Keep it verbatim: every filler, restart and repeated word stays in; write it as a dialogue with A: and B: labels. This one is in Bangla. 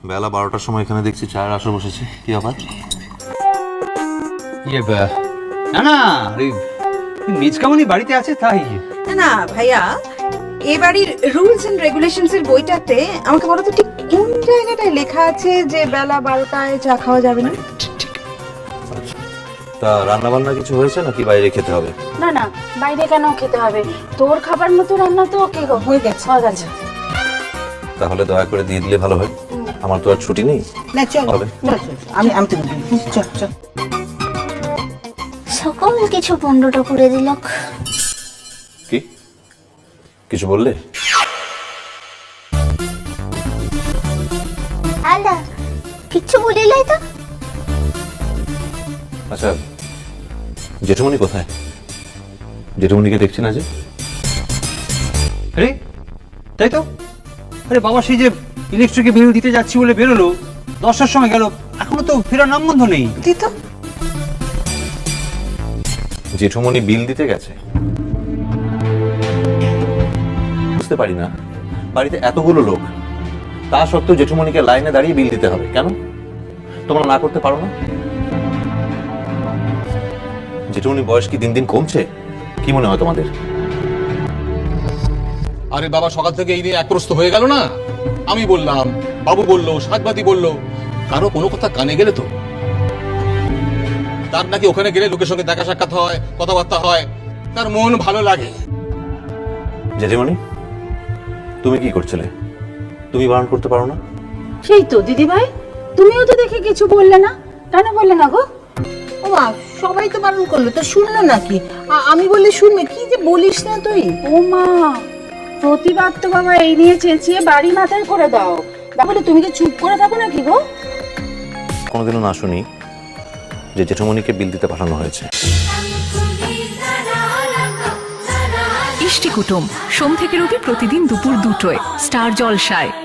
A: বেলা বারোটার সময় এখানে দেখছি চায়ের আসর বসেছে, কি ব্যাপার?
B: ইয়ে না না মিজকামনি বাড়িতে আছে তাই।
C: না না ভাইয়া, এ বাড়ির রুলস এন্ড রেগুলেশনস এর বইটাতে আমাকে বলো তো ঠিক কোন জায়গাটায় লেখা আছে যে বেলা বারোটায় চা খাওয়া যাবে না?
A: তা রান্না বান্না কিছু হয়েছে নাকি বাইরে খেতে হবে?
D: না না, বাইরে কেন খেতে হবে? তোর খাবার মতো রান্না তো কে গো
C: হয়ে গেছে
D: হয়ে গেছে।
A: তাহলে দয়া করে দিয়ে দিলে ভালো হয়, আমার তো আর ছুটি নেই।
C: না চল
A: হবে।
C: আমি আমি তো চল চল।
E: সকল কিছু পনেরোটা করে দিল।
A: কি কিছু বললে?
E: আলা কিচ্ছু বলিলাই তো।
A: আচ্ছা, জেঠুমনি কোথায়? জেঠুমনিকে দেখছি না যে।
B: আরে তাই তো, আরে বাবা সেই যে ইলেকট্রিকে বিল দিতে যাচ্ছি বলে বেরোলো, দশটার সময় গেল, এখনো তো ফেরার নাম গন্ধ নেই।
C: দি তো
A: জেঠুমনি বিল দিতে গেছে? বুঝতে পারি না, বাড়িতে এতগুলো লোক, তা সত্ত্বেও জেঠুমনিকে লাইনে দাঁড়িয়ে বিল দিতে হবে কেন? তোমরা না করতে পারো না? জেঠুমনি বয়স কি দিন দিন কমছে? কি মনে হয় তোমাদের?
F: আরে বাবা, সকাল থেকে এই নিয়ে একপ্রস্ত হয়ে গেল না। আমি বললাম, বাবু বললো, সাজবাতি বললো, কারো কোনো কথা কানে গেলে তো তার নাকি ওখানে গেলে লোকের সঙ্গে দেখা সাক্ষাৎ হয়, কথাবার্তা হয়, তার মন ভালো লাগে।
A: জেঠিমনি তুমি কি করছিলে? তুমি বারণ করতে পারো না?
D: সেই তো দিদি ভাই, তুমিও তো দেখে কিছু বললে না, কেন বললে না গো?
C: ও মা, সবাই তো বারণ করলো, তো শুনলো নাকি? আ- আমি বললে শুনবে, কি যে বলিস না তুই।
D: ও মা, প্রতিবাদ তো বাবা এই নিয়ে চেঁচিয়ে বাড়ি মাথায় করে দাও। তাহলে তুমি কি চুপ করে থাকো নাকি গো?
A: কোনোদিনও না শুনি যে জেঠুমনিকে বিল দিতে পাঠানো হয়েছে।
G: ইষ্টি কুটুম সোম থেকে রবি প্রতিদিন দুপুর দুটোয় স্টার জলসায়।